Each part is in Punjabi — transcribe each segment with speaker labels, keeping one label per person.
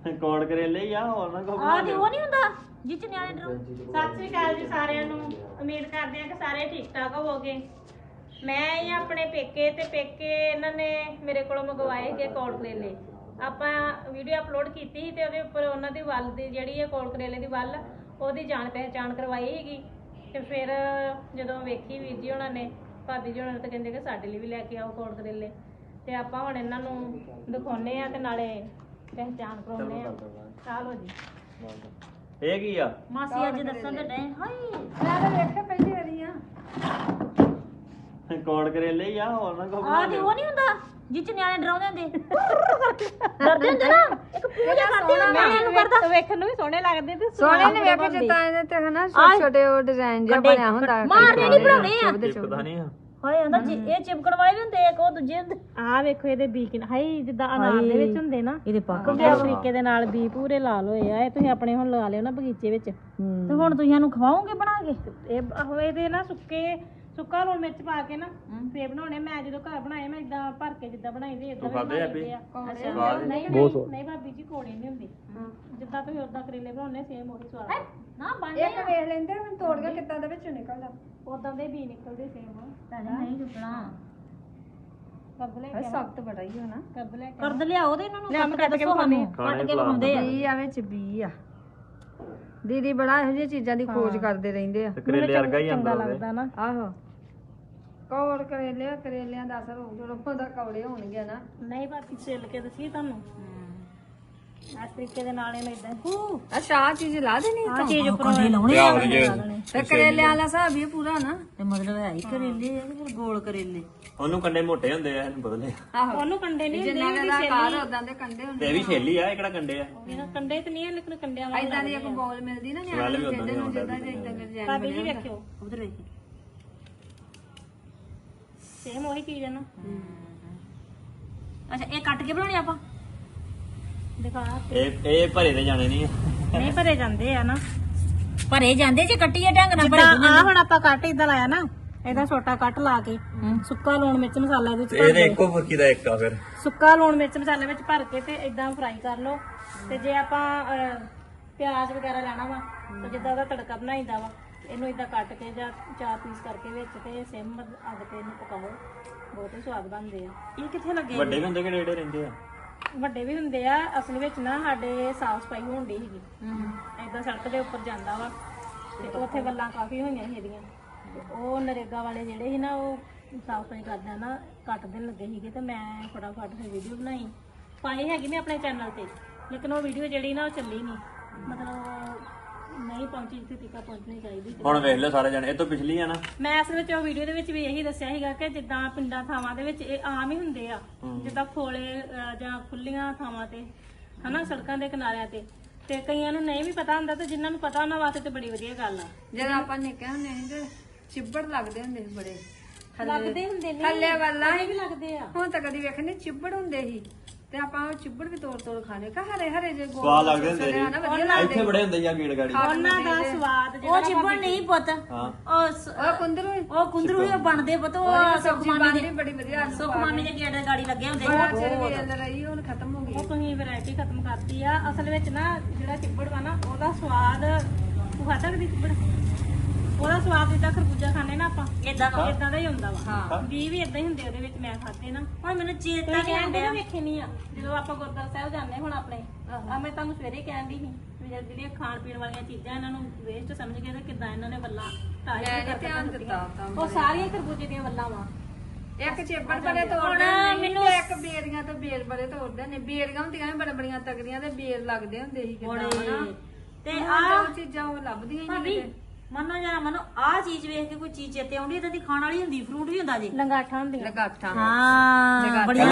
Speaker 1: ਕੋੜ ਕਰੇਲੇ ਹੀ ਆ ਹੋਰ ਨਾ ਕੋ
Speaker 2: ਆ ਤੇ ਉਹ ਨਹੀਂ ਹੁੰਦਾ ਜਿੱਚ ਨਿਆਣੇ ਡਰੋ।
Speaker 3: ਸਤਿ ਸ੍ਰੀ ਅਕਾਲ ਜੀ ਸਾਰਿਆਂ ਨੂੰ। ਉਮੀਦ ਕਰਦੇ ਹਾਂ ਕਿ ਸਾਰੇ ਠੀਕ ਠਾਕ ਹੋਵੋਗੇ। ਮੈਂ ਹੀ ਆਪਣੇ ਪੇਕੇ ਤੇ ਪੇਕੇ ਇਹਨਾਂ ਨੇ ਮੇਰੇ ਕੋਲੋਂ ਮੰਗਵਾਏ ਸੀਗੇ ਕੋੜ ਕਰੇਲੇ। ਆਪਾਂ ਵੀਡੀਓ ਅਪਲੋਡ ਕੀਤੀ ਸੀ ਤੇ ਉਹਦੇ ਉੱਪਰ ਉਹਨਾਂ ਦੀ ਵੱਲ ਦੀ ਜਿਹੜੀ ਹੈ ਕੋੜ ਕਰੇਲੇ ਦੀ ਵੱਲ ਉਹਦੀ ਜਾਣ ਪਹਿਚਾਣ ਕਰਵਾਈ ਸੀਗੀ। ਤੇ ਫਿਰ ਜਦੋਂ ਵੇਖੀ ਵੀਰ ਜੀ ਉਹਨਾਂ ਨੇ ਭਾਬੀ ਜੀ ਉਹਨਾਂ ਨੇ ਤਾਂ ਕਹਿੰਦੇ ਕਿ ਸਾਡੇ ਲਈ ਵੀ ਲੈ ਕੇ ਆਓ ਕੋੜ ਕਰੇਲੇ। ਤੇ ਆਪਾਂ ਹੁਣ ਇਹਨਾਂ ਨੂੰ ਦਿਖਾਉਣੇ ਆ ਤੇ ਨਾਲੇ ਪਹਿਚਾਣ ਕਰਾਉਣੇ ਆ। ਚਲੋ ਜੀ।
Speaker 1: ਇਹ ਕੀ ਆ?
Speaker 2: ਮਾਸੀ ਅੱਜ ਦੱਸਣ ਤੇ ਡੇ ਹਾਏ
Speaker 4: ਮੈਂ ਤਾਂ ਵੇਖਿਆ ਪਹਿਲੀ ਵਾਰੀ ਆ।
Speaker 1: ਕੋੜ ਕਰੇਲੇ ਹੀ ਆ ਹੋਰ ਨਾ ਕੋ
Speaker 2: ਆ ਤੇ ਉਹ ਨਹੀਂ ਹੁੰਦਾ ਜਿੱਚ ਨਿਆਣੇ ਡਰਾਉਂਦੇ ਹੁੰਦੇ ਡਰਦੇ ਹੁੰਦੇ ਨਾ ਇੱਕ ਪੂਜਾ ਕਰਦੇ ਹੁੰਦੇ ਮੈਂ ਇਹਨੂੰ ਕਰਦਾ
Speaker 3: ਵੇਖਣ ਨੂੰ ਵੀ ਸੋਹਣੇ ਲੱਗਦੇ ਤੇ
Speaker 4: ਸੋਹਣੇ ਨੇ ਵੇਖੇ ਜਿੱਦਾਂ ਇਹਦੇ ਤੇ ਹਨਾ ਛੋਟੇ ਛੋਟੇ ਉਹ ਡਿਜ਼ਾਈਨ ਜਿਹਾ ਬਣਿਆ ਹੁੰਦਾ।
Speaker 2: ਮਾਰਨੇ ਨਹੀਂ ਬਣਾਉਣੇ ਆ।
Speaker 1: ਪਤਾ ਨਹੀਂ ਆ
Speaker 2: ਹਾਏ ਅੰਦਰ ਇਹ ਚਿਪਕਣ ਵਾਲੇ ਵੀ ਹੁੰਦੇ ਇੱਕ ਉਹ ਦੂਜੇ ਹੁੰਦੇ।
Speaker 3: ਆਹ ਵੇਖੋ ਇਹਦੇ ਬੀ ਕਿਨ ਹਾਈ ਜਿੱਦਾਂ ਅਨਾਰ ਦੇ ਵਿੱਚ ਹੁੰਦੇ ਨਾ
Speaker 2: ਇਹਦੇ ਪੱਕ
Speaker 3: ਇਸ ਤਰੀਕੇ ਦੇ ਨਾਲ ਬੀ ਪੂਰੇ ਲਾਲ ਹੋਏ ਆ। ਇਹ ਤੁਸੀਂ ਆਪਣੇ ਹੁਣ ਲਗਾ ਲਿਓ ਨਾ ਬਗੀਚੇ ਵਿੱਚ।
Speaker 2: ਤੇ ਹੁਣ ਤੁਸੀਂ ਇਹਨੂੰ ਖਵਾਓਗੇ ਬਣਾ ਕੇ?
Speaker 3: ਇਹ ਹੋਏ ਦੇ ਨਾ ਸੁੱਕਾ ਲੂਣ ਮਿਰਚ ਪਾ ਕੇ ਨਾ ਫੇਰ ਬਣਾਉਣੇ। ਮੈਂ ਜਦੋਂ ਘਰ ਬਣਾਏ ਮੈਂ ਇਦਾਂ ਭਰ ਕੇ ਜਿੱਦਾਂ ਬਣਾਈ ਦੇ ਇਦਾਂ
Speaker 1: ਖਾਦੇ ਆ ਵੀ
Speaker 3: ਨਹੀਂ ਭਾਬੀ ਜੀ ਕੋੜੇ ਨਹੀਂ ਹੁੰਦੇ ਜਿੱਦਾਂ ਤੁਸੀਂ ਉਦਾਂ ਕਰੇਲੇ ਬਣਾਉਣੇ ਸੇਮ ਉਹੀ ਸਵਾਦ
Speaker 2: ਨਾ ਬਣ
Speaker 4: ਇੱਕ ਵੇਖ ਲੈਂਦੇ ਮੈਂ ਤੋੜ ਕੇ ਕਿੱਦਾਂ ਦੇ ਵਿੱਚੋਂ ਨਿਕਲਦਾ।
Speaker 3: ਉਦਾਂ ਦੇ ਬੀ ਨਿਕਲਦੇ ਸੇਮ।
Speaker 2: ਨਹੀਂ ਚੁੱਕਣਾ
Speaker 3: ਕਰਦ ਲੈ ਕੇ
Speaker 4: ਸਖਤ ਬੜਾ ਹੀ ਹੋਣਾ।
Speaker 3: ਕਰਦ ਲੈ ਕੇ
Speaker 2: ਕਰਦ ਲਿਆਓ ਤੇ ਇਹਨਾਂ ਨੂੰ ਕੱਟ ਕੇ ਖਵਾਉਂਦੇ ਕੱਟ ਕੇ ਖਵਾਉਂਦੇ ਆ।
Speaker 4: ਬੀ ਆ ਵਿੱਚ ਬੀ ਆ। ਦੀਦੀ ਬੜਾ ਇਹੋ ਜਿਹੀਆਂ ਚੀਜ਼ਾਂ ਦੀ ਖੋਜ ਕਰਦੇ ਰਹਿੰਦੇ ਆ।
Speaker 1: ਕਰੇਲੇ ਵਰਗਾ ਹੀ
Speaker 3: ਚੰਗਾ
Speaker 1: ਅੰਦਰ
Speaker 3: ਲੱਗਦਾ ਨਾ।
Speaker 4: ਆਹੋ ਕੌੜ ਕਰੇਲਿਆਂ ਦਾ ਅਸਰ ਹੋਊ ਜਦੋਂ ਉਹਦਾ ਕੌੜੇ ਹੋਣਗੇ ਨਾ।
Speaker 3: ਨਹੀਂ ਭਾਬੀ ਛਿੱਲ ਕੇ ਦੱਸੀ ਤੁਹਾਨੂੰ ਇਸ ਤਰੀਕੇ ਦੇ ਨਾਲ ਇਹਨੂੰ ਇਦਾਂ
Speaker 4: ਅੱਛਾ ਆ ਚੀਜ਼ ਲਾ ਦੇਣੀ
Speaker 3: ਆਹ ਚੀਜ਼ ਉੱਪਰ
Speaker 2: ਲਾਉਣੇ ਆ
Speaker 4: ਤੇ ਕਰੇਲਿਆਂ ਵਾਲਾ ਹਿਸਾਬ ਵੀ ਪੂਰਾ ਨਾ।
Speaker 2: ਤੇ ਮਤਲਬ ਹੈ ਹੀ ਕਰੇਲੇ ਆ ਤੇ ਫਿਰ ਗੋਲ ਕਰੇਲੇ।
Speaker 1: ਉਹਨੂੰ ਕੰਡੇ ਮੋਟੇ ਹੁੰਦੇ ਆ ਇਹਨੂੰ ਬਦਲੇ
Speaker 4: ਆਹੋ
Speaker 3: ਉਹਨੂੰ ਕੰਡੇ ਨਹੀਂ
Speaker 4: ਜਿੰਨਾ ਦਾ ਆਕਾਰ ਉਦਾਂ ਦੇ ਕੰਡੇ ਹੁੰਦੇ।
Speaker 1: ਤੇ ਇਹ ਵੀ ਛੇਲੀ ਆ ਇਹ ਕਿਹੜਾ ਕੰਡੇ ਆ?
Speaker 3: ਇਹਨਾਂ ਕੰਡੇ ਤੇ ਨਹੀਂ ਲੇਕਿਨ ਕੰਡਿਆਂ ਵਾਲੇ
Speaker 4: ਇਦਾਂ ਦੀ ਇੱਕ ਬੋਲ ਮਿਲਦੀ ਨਾ ਨਿਆਣੇ ਨੂੰ ਜਿੱਦਾਂ ਨੂੰ ਜਿੱਦਾਂ ਦੇ ਇਦਾਂ ਦੇ ਡਿਜ਼ਾਈਨ
Speaker 3: ਭਾਬੀ ਜੀ ਵੇਖਿਓ
Speaker 2: ਉਧਰ ਵੇਖ
Speaker 3: ਸੇਮ ਉਹੀ ਚੀਜ਼ ਹੈ ਨਾ।
Speaker 2: ਅੱਛਾ ਇਹ ਕੱਟ ਕੇ ਬਣਾਉਣੇ ਆਪਾਂ?
Speaker 3: ਦਿਖਾ
Speaker 1: ਇਹ ਭਰੇ ਦੇ ਜਾਣੇ ਨਹੀਂ
Speaker 3: ਨਹੀਂ ਭਰੇ ਜਾਂਦੇ ਆ ਨਾ।
Speaker 2: ਭਰੇ ਜਾਂਦੇ ਜੇ ਕੱਟੀਏ ਢੰਗ ਨਾਲ ਭਰੇ
Speaker 3: ਆ ਹੁਣ ਆਪਾਂ ਕੱਟ ਇਦਾਂ ਲਾਇਆ ਨਾ ਇਹਦਾ ਛੋਟਾ ਕੱਟ ਲਾ ਕੇ ਸੁੱਕਾ ਲੂਣ ਮਿਰਚ ਮਸਾਲਾ ਇਹਦੇ ਵਿੱਚ ਭਰ
Speaker 1: ਇਹਦੇ
Speaker 3: ਦਿਓ।
Speaker 1: ਇੱਕੋ ਫੁਰਕੀ ਦਾ ਇੱਕ ਆ ਫਿਰ
Speaker 3: ਸੁੱਕਾ ਲੂਣ ਮਿਰਚ ਮਸਾਲੇ ਵਿੱਚ ਭਰ ਕੇ ਤੇ ਇਦਾਂ ਫਰਾਈ ਕਰ ਲਓ। ਤੇ ਜੇ ਆਪਾਂ ਪਿਆਜ਼ ਵਗੈਰਾ ਲੈਣਾ ਵਾ ਤੇ ਜਿੱਦਾਂ ਉਹਦਾ ਤੜਕਾ ਬਣਾਈਦਾ ਵਾ ਇਹਨੂੰ ਇਦਾਂ ਕੱਟ ਕੇ ਜਾਂ 4 ਪੀਸ ਕਰਕੇ ਵਿੱਚ ਤੇ ਸਿਮ ਅੱਗ ਤੇ ਇਹਨੂੰ ਪਕਾਓ। ਬਹੁਤ ਹੀ ਸਵਾਦ ਬਣਦੇ ਆ।
Speaker 2: ਇਹ ਕਿੱਥੇ ਲੱਗੇ?
Speaker 1: ਵੱਡੇ ਵੀ ਹੁੰਦੇ ਕਿ ਡੇੜੇ ਰਹਿੰਦੇ ਆ?
Speaker 3: ਵੱਡੇ ਵੀ ਹੁੰਦੇ ਆ। ਅਸਲ ਵਿੱਚ ਨਾ ਸਾਡੇ ਸਾਫ ਸਫਾਈ ਹੋਣ ਦੀ ਸੀਗੀ ਏਦਾਂ ਸੜਕ ਦੇ ਉੱਪਰ ਜਾਂਦਾ ਵਾ ਤੇ ਉੱਥੇ ਵੱਲਾਂ ਕਾਫੀ ਹੋਈਆਂ ਸੀ ਇਹਦੀਆਂ। ਤੇ ਉਹ ਨਰੇਗਾ ਵਾਲੇ ਜਿਹੜੇ ਸੀ ਨਾ ਉਹ ਸਾਫ ਸਫਾਈ ਕਰਦਿਆਂ ਨਾ ਕੱਟ ਦੇਣ ਲੱਗੇ ਸੀਗੇ ਤੇ ਮੈਂ ਫਟਾਫਟ ਫਿਰ ਵੀਡੀਓ ਬਣਾਈ ਪਾਈ ਹੈਗੀ ਮੈਂ ਆਪਣੇ ਚੈਨਲ ਤੇ। ਲੇਕਿਨ ਉਹ ਵੀਡੀਓ ਜਿਹੜੀ ਨਾ ਉਹ ਚੱਲੀ ਨਹੀਂ ਮਤਲਬ ਨਹੀਂ ਪਹੁੰਚੀ ਜਿੱਥੇ ਤੀਕਾ ਪਹੁੰਚਣੀ ਚਾਹੀਦੀ।
Speaker 1: ਹੁਣ ਵੇਖ ਲਓ ਸਾਰੇ ਜਣੇ ਇਹ ਤੋਂ ਪਿਛਲੀ ਆ ਨਾ।
Speaker 3: ਮੈਂ ਅਸਲ ਵਿੱਚ ਉਹ ਵੀਡੀਓ ਦੇ ਵਿੱਚ ਵੀ ਇਹੀ ਦੱਸਿਆ ਸੀਗਾ ਕਿ ਜਿੱਦਾਂ ਪਿੰਡਾਂ ਥਾਵਾਂ ਦੇ ਵਿੱਚ ਇਹ ਆਮ ਹੀ ਹੁੰਦੇ ਆ ਜਿੱਦਾਂ ਖੋਲੇ ਜਾਂ ਖੁੱਲੀਆਂ ਥਾਵਾਂ ਤੇ ਹਨਾ ਸੜਕਾਂ ਦੇ ਕਿਨਾਰਿਆਂ ਤੇ ਕਈਆਂ ਨੂੰ ਨਹੀਂ ਵੀ ਪਤਾ ਹੁੰਦਾ ਤੇ ਜਿਨ੍ਹਾਂ ਨੂੰ ਪਤਾ ਉਹਨਾਂ ਵਾਸਤੇ ਤੇ ਬੜੀ ਵਧੀਆ ਗੱਲ ਆ।
Speaker 4: ਜਦੋਂ ਆਪਾਂ ਨਿੱਕੇ ਹੁੰਦੇ ਸੀ ਤੇ ਚਿੱਬੜ ਲੱਗਦੇ ਹੁੰਦੇ ਸੀ ਬੜੇ
Speaker 3: ਲੱਗਦੇ ਹੁੰਦੇ ਨੇ
Speaker 4: ਥੱਲੇ ਵੱਲਾਂ
Speaker 3: ਵੀ ਲੱਗਦੇ ਆ।
Speaker 4: ਹੁਣ ਤਾਂ ਕਦੀ ਵੇਖਣੇ ਚਿੱਬੜ ਹੁੰਦੇ ਸੀ ਤੇ ਆਪਾਂ ਉਹ ਚਿੱਬੜ ਵੀ ਤੋੜ ਖਾਣੇ ਕਾ ਹਰੇ ਹਰੇ ਜੇ ਗੋਲ
Speaker 1: ਸਵਾਦ ਲੱਗਦੇ ਹੁੰਦੇ
Speaker 4: ਹਨਾ
Speaker 1: ਸੀ
Speaker 4: ਵਧੀਆ
Speaker 1: ਇੱਥੇ ਬੜੇ ਹੁੰਦੇ ਆ ਗੀੜ ਗਾੜੀ
Speaker 3: ਉਹਨਾਂ ਦਾ ਸਵਾਦ
Speaker 2: ਉਹ ਚਿੱਬੜ ਨਹੀਂ ਪੁੱਤ
Speaker 1: ਹਾਂ
Speaker 4: ਉਹ ਕੁੰਦਰੂ
Speaker 2: ਉਹ ਕੁੰਦਰੂ ਹੀ ਬਣਦੇ ਪੁੱਤ ਉਹ
Speaker 4: ਸਬਜ਼ੀ ਬਣਦੀ ਬੜੀ ਵਧੀਆ
Speaker 2: ਸੁਖ ਮਾਮੀ ਦੇ ਗੇੜੇ ਗਾੜੀ ਲੱਗੇ ਹੁੰਦੇ
Speaker 4: ਬੜਾ ਚਿਰ ਵੇਲ ਰਹੀ ਹੁਣ ਖਤਮ ਹੋ ਗਈ।
Speaker 3: ਉਹ ਤੁਸੀਂ ਵੈਰਾਈਟੀ ਖਤਮ ਕਰਤੀ ਆ। ਅਸਲ ਵਿੱਚ ਨਾ ਜਿਹੜਾ ਚਿੱਬੜ ਵਾ ਨਾ ਉਹਦਾ ਸਵਾਦ ਤੂੰ ਖਾ ਸਕਦੀ ਚਿੱਬੜ? ਉਹਦਾ ਸਵਾਦ ਜਿੱਦਾਂ ਖਰਬੂਜਾ ਖਾਣੇ ਨਾ ਆਪਾਂ
Speaker 2: ਏਦਾਂ ਵਾ।
Speaker 3: ਇਦਾਂ ਦਾ ਹੀ ਹੁੰਦਾ ਵਾ। ਵੀ ਇਦਾਂ ਹੀ ਹੁੰਦੇ ਉਹਦੇ ਵਿੱਚ ਮੈਂ ਖਾਦੇ ਨਾ।
Speaker 2: ਹੁਣ ਮੈਨੂੰ ਚੇਤਾ ਨਹੀਂ
Speaker 3: ਕਹਿੰਦੇ
Speaker 2: ਆਉਂਦਾ।
Speaker 3: ਨਾ ਵੇਖੇ ਨਹੀਂ ਆ ਜਦੋਂ ਆਪਾਂ ਗੁਰਦੁਆਰਾ ਸਾਹਿਬ ਜਾਂਦੇ ਹੁਣ ਆਪਣੇ ਆ ਮੈਂ ਤੁਹਾਨੂੰ ਸਵੇਰੇ ਕਹਿਣ ਦੀ ਸੀ ਵੀ ਜਿਹੜੀਆਂ ਖਾਣ ਪੀਣ ਵਾਲੀਆਂ ਚੀਜ਼ਾਂ ਇਹਨਾਂ ਨੂੰ ਵੇਸਟ ਸਮਝ ਕੇ ਤੇ ਕਿੱਦਾਂ ਇਹਨਾਂ ਨੇ ਵੱਲਾਂ
Speaker 4: ਮੈਂ ਧਿਆਨ ਦਿੱਤਾ
Speaker 3: ਉਹ ਸਾਰੀਆਂ ਖਰਬੂਜੇ ਦੀਆਂ ਵੱਲਾਂ ਵਾ।
Speaker 4: ਇੱਕ ਚਿੱਬੜ ਬੜੇ ਤੋੜਦੇ ਨੇ ਮੈਨੂੰ ਇੱਕ ਬੇਰੀਆਂ ਤੇ ਬੇਰ ਬੜੇ ਤੋੜਦੇ ਨੇ। ਬੇਰੀਆਂ ਹੁੰਦੀਆਂ ਨੇ ਬੜੀਆਂ ਤਗੜੀਆਂ ਤੇ ਬੇਰ ਲੱਗਦੇ ਹੁੰਦੇ ਸੀ ਕਿਦਾਂ ਹਨਾ
Speaker 2: ਤੇ
Speaker 4: ਆਹ ਚੀਜ਼ਾਂ ਉਹ ਲੱਭਦੀਆਂ ਹੀ ਨਹੀਂ ਕਿਤੇ।
Speaker 2: ਮੰਨੋ ਜਰਾ ਮੰਨੋ ਆਹ ਚੀਜ਼ ਵੇਖ ਕੇ ਕੋਈ ਚੀਜ਼ ਚੇਤੇ ਆਉਂਦੀ ਇਦਾਂ ਦੀ ਖਾਣ ਵਾਲੀ ਹੁੰਦੀ ਫਰੂਟ ਵੀ ਹੁੰਦਾ ਜੀ
Speaker 3: ਲੰਗਾਠਾਂ ਹੁੰਦੀਆਂ
Speaker 4: ਲਗਾਠਾਂ
Speaker 2: ਹਾਂ ਬੜੀਆਂ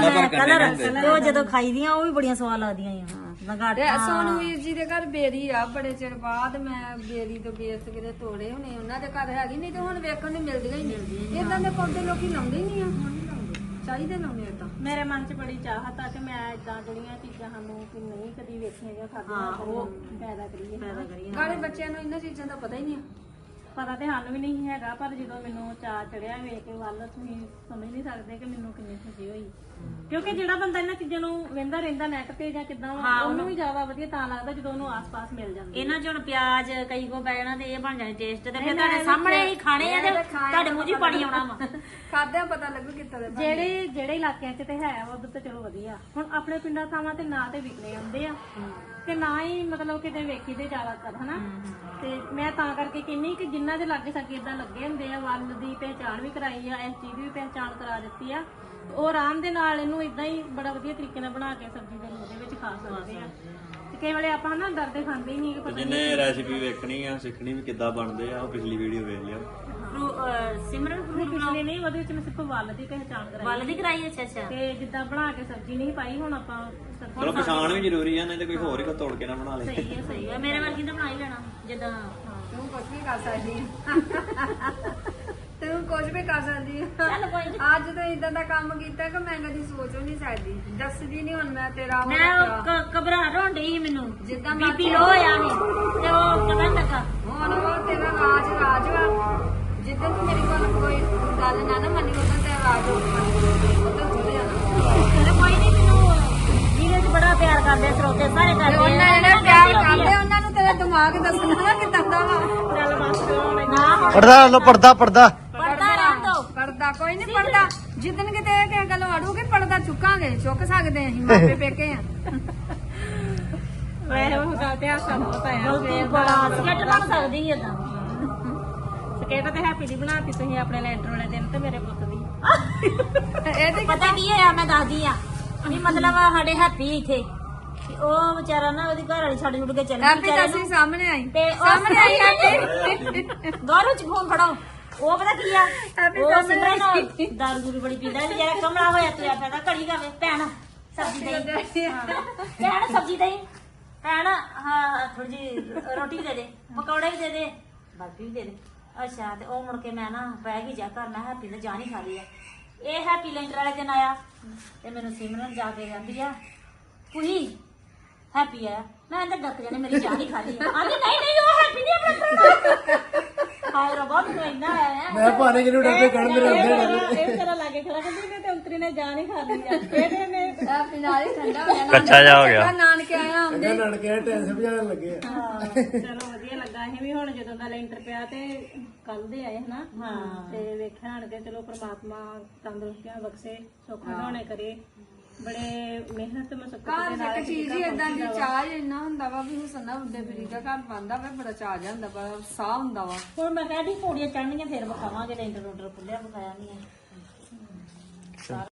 Speaker 2: ਕਲਰ ਤੇ ਉਹ ਜਦੋਂ ਖਾਈਦੀਆਂ ਉਹ ਵੀ ਬੜੀਆਂ ਸਵਾਦ ਲੱਗਦੀਆਂ ਆ
Speaker 4: ਤੇ
Speaker 2: ਲੰਗਾਟਾ
Speaker 4: ਸੋਨੂ ਵੀਰ ਜੀ ਦੇ ਘਰ ਬੇਰੀ ਆ ਬੜੇ ਚਿਰ ਬਾਅਦ ਮੈਂ ਬੇਰੀ ਤੋਂ ਬੇਸ ਕਿਤੇ ਤੋੜੇ ਹੋਣੇ ਉਹਨਾਂ ਦੇ ਘਰ ਹੈਗੀ ਨਹੀਂ ਤੇ ਹੁਣ ਵੇਖਣ ਨੂੰ ਮਿਲਦੀਆਂ ਹੀ ਨਹੀਂ। ਇਦਾਂ ਦੇ ਪੌਦੇ ਲੋਕੀ ਲਾਉਂਦੇ ਹੀ ਨਹੀਂ ਆ ਚਾਹੀਦੇ ਲਾਉਣੇ ਤਾਂ।
Speaker 3: ਮੇਰੇ ਮਨ 'ਚ ਬੜੀ ਚਾਹਤ ਆ ਕਿ ਮੈਂ ਇਦਾਂ ਜਿਹੜੀਆਂ ਚੀਜ਼ਾਂ ਸਾਨੂੰ ਕਿ ਨਹੀਂ ਕਦੀ ਵੇਖੀਆਂ ਜਾਂ ਖਾਧੀਆਂ ਉਹ ਪੈਦਾ ਕਰੀਏ।
Speaker 4: ਗਾਲੇ ਬੱਚਿਆਂ ਨੂੰ ਇਹਨਾਂ ਚੀਜ਼ਾਂ ਦਾ ਪਤਾ ਹੀ ਨਹੀਂ ਆ।
Speaker 3: ਪਤਾ ਤੇ ਸਾਨੂੰ ਵੀ ਨਹੀਂ ਹੈਗਾ ਪਰ ਜਦੋਂ ਮੈਨੂੰ ਚਾਅ ਚੜਿਆ ਵੇਖ ਕੇ ਵੱਲ ਤੁਸੀਂ ਸਮਝ ਨਹੀਂ ਸਕਦੇ ਕਿ ਮੈਨੂੰ ਕਿੰਨੀ ਖੁਸ਼ੀ ਹੋਈ। ਕਿਉਂਕਿ ਜਿਹੜਾ ਬੰਦਾ ਇਹਨਾਂ ਚੀਜ਼ਾਂ ਨੂੰ ਵੇਂਦਾ ਰਹਿੰਦਾ ਨੈਟ ਤੇ ਜਾਂ ਕਿਦਾਂ ਉਹਨੂੰ ਵੀ ਜ਼ਿਆਦਾ ਵਧੀਆ ਤਾਂ ਲੱਗਦਾ ਜਦੋਂ ਉਹਨੂੰ ਆਸ-ਪਾਸ ਮਿਲ ਜਾਂਦੀ।
Speaker 2: ਇਹਨਾਂ ਚ ਹੁਣ ਪਿਆਜ਼ ਕਈ ਕੋ ਪੈ ਜਾਣਾ ਤੇ ਇਹ ਬਣ ਜਾਣੇ ਟੇਸਟ ਤੇ ਫਿਰ ਤੁਹਾਡੇ ਸਾਹਮਣੇ ਹੀ ਖਾਣੇ ਆ ਤੇ ਤੁਹਾਡੇ ਮੂੰਹ 'ਚ ਹੀ ਪਾਣੀ ਆਉਣਾ ਵਾ।
Speaker 4: ਖਾਦਿਆਂ ਪਤਾ ਲੱਗੂ ਕਿੱਥੋਂ ਦੇ
Speaker 3: ਜਿਹੜੇ ਇਲਾਕਿਆਂ 'ਚ ਤੇ ਹੈ ਉਧਰ ਤੇ ਚਲੋ ਵਧੀਆ। ਹੁਣ ਆਪਣੇ ਪਿੰਡਾਂ ਥਾਵਾਂ ਤੇ ਨਾ ਤੇ ਵਿਕਣੇ ਆਉਂਦੇ ਆ ਤੇ ਨਾ ਹੀ ਮਤਲਬ ਕਿਤੇ ਵੇਖੀ ਦੇ ਜ਼ਿਆਦਾਤਰ ਹਨਾ। ਤੇ ਮੈਂ ਤਾਂ ਕਰਕੇ ਕਹਿੰਨੀ ਕਿ ਜਿਨ੍ਹਾਂ ਦੇ ਲਾਗੇ ਸਾਗੇ ਇਦਾਂ ਲੱਗੇ ਹੁੰਦੇ ਆ ਵੱਲ ਦੀ ਪਹਿਚਾਣ ਵੀ ਕਰਾਈ ਆ, ਇਸ ਚੀਜ਼ ਦੀ ਵੀ ਪਹਿਚਾਣ ਕਰਾ ਦਿੱਤੀ ਆ, ਉਹ ਆਰਾਮ ਦੇ ਨਾਲ ਇਹਨੂੰ ਇਦਾਂ ਹੀ ਬੜਾ ਵਧੀਆ ਤਰੀਕੇ ਨਾਲ ਬਣਾ ਕੇ ਸਬਜ਼ੀ ਦੇ ਉਹਦੇ ਵਿੱਚ ਖਾ ਸਕਦੇ ਆ। ਤੇ ਕਈ ਵੇਲੇ ਆਪਾਂ ਨਾ ਡਰਦੇ ਖਾਂਦੇ ਹੀ ਨਹੀਂ ਕਿ ਪਤਾ
Speaker 1: ਜਿਹਨੇ ਰੈਸਿਪੀ ਵੇਖਣੀ ਆ ਸਿੱਖਣੀ ਵੀ ਕਿੱਦਾਂ ਬਣਦੇ ਆ ਉਹ ਪਿਛਲੀ ਵੀਡੀਓ ਵੇਖ ਲਿਓ।
Speaker 2: ਸਿਮਰਨ
Speaker 3: ਨਹੀਂ ਪਿਛਲੇ ਨਹੀਂ, ਉਹਦੇ ਵਿੱਚ ਮੈਂ ਸਿਰਫ ਵੱਲ ਦੀ ਪਹਿਚਾਣ ਕਰਾਈ
Speaker 2: ਵੱਲ ਦੀ ਕਰਾਈ। ਅੱਛਾ ਅੱਛਾ।
Speaker 3: ਤੇ ਜਿੱਦਾਂ ਬਣਾ ਕੇ ਸਬਜ਼ੀ ਨਹੀਂ ਪਾਈ ਹੁਣ ਆਪਾਂ
Speaker 1: ਚਲੋ ਪਛਾਣ ਵੀ ਜ਼ਰੂਰੀ ਆ, ਨਹੀਂ ਤੇ ਕੋਈ ਹੋਰ ਹੀ ਕੋ ਤੋੜ ਕੇ ਨਾ ਬਣਾ ਲੇ।
Speaker 2: ਸਹੀ ਹੈ ਮੇਰੇ ਵਰਗੀ ਤਾਂ ਬਣਾ ਹੀ ਲੈਣਾ ਜਿੱਦਾਂ
Speaker 4: ਤੂੰ ਕੁਝ ਵੀ ਕਰ ਸਕਦੀ ਤੂੰ ਕੁਝ ਵੀ ਕਰ ਸਕਦੀ
Speaker 2: ਚੱਲ ਕੋਈ ਨੀ।
Speaker 4: ਅੱਜ ਤੋਂ ਇਦਾਂ ਦਾ ਕੰਮ ਕੀਤਾ ਕਿ ਮੈਂ ਕਦੀ ਸੋਚ ਵੀ ਨਹੀਂ ਸਕਦੀ। ਦੱਸਦੀ ਨਹੀਂ ਹੁਣ ਮੈਂ ਤੇਰਾ
Speaker 2: ਮੈਂ ਘਬਰਾਹਟ ਹੋਣ ਡਈ ਸੀ ਮੈਨੂੰ
Speaker 4: ਜਿੱਦਾਂ
Speaker 2: ਬੀਪੀ ਲੋ ਹੋਇਆ ਸੀ ਤੇ ਉਹ ਪਤਾ ਨੀ ਲੱਗਾ।
Speaker 4: ਹੁਣ ਉਹ ਤੇਰਾ ਰਾਜ ਵਾ। ਜਿੱਦਾਂ ਤੂੰ ਮੇਰੀ ਕੋਈ ਗੱਲ ਨਾ ਮੰਨੀ ਉਦੋਂ ਤੇਰਾ ਰਾਜ ਉਦੋਂ ਚੁੱਲ ਜਾਣਾ।
Speaker 2: ਚਲੋ ਕੋਈ ਨਹੀਂ ਮੈਨੂੰ ਵੀਰੇ 'ਚ ਬੜਾ ਪਿਆਰ ਕਰਦੇ ਸਰੋਤੇ ਸਾਰੇ ਕਰਦੇ ਆ।
Speaker 4: ਉਹਨਾਂ ਜਿਹੜੇ ਪਿਆਰ ਕਰਦੇ ਉਹਨਾਂ ਨੂੰ ਤੇਰਾ ਦਿਮਾਗ ਦੱਸਣਾ ਨਾ ਕਿੱਦਾਂ ਦਾ ਵਾ।
Speaker 3: ਚੱਲ ਬਸ
Speaker 2: ਨਾ
Speaker 5: ਪੜਦਾ ਲੋ ਪੜਦਾ
Speaker 2: ਪੜਦਾ ਰਹਿਣ ਦੋ।
Speaker 4: ਪੜਦਾ ਕੋਈ ਨਹੀਂ ਪੜਦਾ। ਜਿੱਦਣ ਕਿਤੇ ਕਿਸੇ ਗੱਲ ਅੜੂਗੀ ਪੜਦਾ ਚੁੱਕਾਂਗੇ, ਚੁੱਕ ਸਕਦੇ ਅਸੀਂ ਮਾਪੇ ਪੇਕੇ ਆ।
Speaker 3: ਵੈਸੇ ਉਹ ਗੱਲ ਤੇ ਹਾਸਾ ਬਹੁਤ ਆਇਆ
Speaker 2: ਗਲਤੀ ਬੜਾ ਸਕੇਟ ਬਣ ਸਕਦੀ ਹੈ ਏਦਾਂ।
Speaker 3: ਸਕੇਟ ਤੇ ਹੈਪੀ ਦੀ ਬਣਾਤੀ ਤੁਸੀਂ ਆਪਣੇ ਲੈਂਟਰ ਵਾਲੇ ਦਿਨ ਤੇ ਮੇਰੇ ਪੁੱਤ ਦੀ।
Speaker 4: ਇਹਦੇ
Speaker 2: ਪਤਾ ਕੀ ਹੋਇਆ ਮੈਂ ਦੱਸਦੀ ਆ ਵੀ ਮਤਲਬ ਸਾਡੇ ਹੈਪੀ ਇੱਥੇ ਤੇ ਉਹ ਵਿਚਾਰਾ ਨਾ ਉਹਦੀ ਘਰ ਵਾਲੀ ਛੱਡ ਛੁੱਟ ਕੇ ਚੱਲ
Speaker 4: ਹੈਪੀ ਤਾਂ ਅਸੀਂ ਸਾਹਮਣੇ ਆਈ
Speaker 2: ਤੇ
Speaker 4: ਸਾਹਮਣੇ ਆਈ ਹੈਪੀ।
Speaker 2: ਗੌਰਵ ਚ ਫੋਨ ਫੜਾਓ। ਉਹ ਪਤਾ ਕੀ ਆ
Speaker 4: ਹੈਪੀ
Speaker 2: ਉਹ
Speaker 4: ਸਾਹਮਣੇ
Speaker 2: ਸਿਮਰਨ ਦਾਰੂ ਦੂਰੂ ਬੜੀ ਪੀਂਦਾ ਵਿਚਾਰਾ ਕਮਲਾ ਹੋਇਆ ਪਿਆ ਪੈਦਾ ਘੜੀ ਗਾਵੇ ਭੈਣ ਸਬਜ਼ੀ ਦਈ ਭੈਣ ਸਬਜ਼ੀ ਦਈ ਭੈਣ ਹਾਂ ਥੋੜੀ ਜੀ ਰੋਟੀ ਦੇ ਦੇ ਪਕੌੜੇ ਵੀ ਦੇ ਦੇ ਬਰਫੀ ਵੀ ਦੇ ਦੇ। ਅੱਛਾ ਤੇ ਉਹ ਮੁੜ ਕੇ ਮੈਂ ਨਾ ਬਹਿ ਗਈ ਜਾ ਘਰ ਮੈਂ ਹੈਪੀ ਨੇ ਜਾਨ ਹੀ ਖਾ ਲਈ ਆ। ਇਹ ਹੈਪੀ ਲੈਂਟਰ ਵਾਲੇ ਦਿਨ ਆਇਆ ਤੇ ਮੈਨੂੰ ਸਿਮਰਨ ਜਾ ਕੇ ਕਹਿੰਦੀ ਆ ਕੁੜੀ ਹੈਪੀ ਆਇਆ। ਮੈਂ ਅੰਦਰ ਡੱਕ ਜਾਣੇ ਮੇਰੀ ਜਾਨ ਹੀ ਖਾ ਲਈ ਆ। ਆਂਦੀ ਨਹੀਂ ਨਹੀਂ ਉਹ ਹੈਪੀ ਨਹੀਂ ਆਪਣਾ ਹਾਏ ਰੱਬਾ ਮੈਨੂੰ ਇੰਨਾ ਆਇਆ
Speaker 5: ਮੈਂ ਭਾਣੇ ਕਿਨੂੰ ਡਰਦੇ ਕਣ ਮੇਰੇ ਹੁੰਦੇ
Speaker 3: ਇਹ ਤੇਰਾ ਲਾਗੇ ਖੜਾ ਕਹਿੰਦੀ ਨੇ ਤੇ ਅੰਤਰੀ ਨੇ ਜਾਨ ਹੀ ਖਾ ਲਈ ਆ। ਇਹਦੇ ਨੇ
Speaker 4: ਹੈਪੀ ਨਾਲ ਹੀ ਠੰਡਾ ਹੋ ਗਿਆ।
Speaker 1: ਕੱਚਾ ਜਾ ਹੋ ਗਿਆ।
Speaker 4: ਨਾਨਕੇ ਆਇਆ ਆਉਂਦੇ
Speaker 5: ਨਣਕੇ ਟੈਂਸ ਭਜਾਣ ਲੱਗੇ ਆ।
Speaker 3: ਚਲੋ ਵਧੀਆ ਲੱਗਾ। ਅਸੀਂ ਵੀ ਹੁਣ ਜਦੋਂ ਦਾ ਲੈਂਟਰ ਪਿਆ ਤੇ ਕੱਲ ਦੇ ਆਏ ਹਨਾ।
Speaker 2: ਹਾਂ
Speaker 3: ਤੇ ਵੇਖਿਆ ਹਣ ਕੇ ਚਲੋ ਪ੍ਰਮਾਤਮਾ ਤੰਦਰੁਸਤੀਆਂ ਬਖਸ਼ੇ, ਸੁੱਖ ਬਣਾਉਣੇ ਕਰੇ। ਬੜੇ ਮਿਹਨਤ ਮਸ਼ੱਕਤ ਦੇ ਨਾਲ
Speaker 4: ਇੱਕ ਚੀਜ਼ ਹੀ ਏਦਾਂ ਦੀ ਚਾਹ ਇੰਨਾ ਹੁੰਦਾ ਵਾ ਵੀ ਹੁਸਨਾ ਉੱਡੇ ਬਰੀ ਦਾ ਘਰ ਬਣਦਾ ਵਾ ਬੜਾ ਚਾਹ ਜਾਂਦਾ ਵਾ ਸਾਹ ਹੁੰਦਾ ਵਾ।
Speaker 2: ਹੁਣ ਮੈਂ ਕਹਿੰਦੀ ਪੌੜੀਆਂ ਚੜ੍ਹਨੀਆਂ ਫੇਰ ਵਿਖਾਵਾਂਗੇ ਲੈਂਟਰ ਰੋਡਰ ਖੁੱਲਿਆ ਵਿਖਾਇਆ ਨਹੀਂ ਹੈ।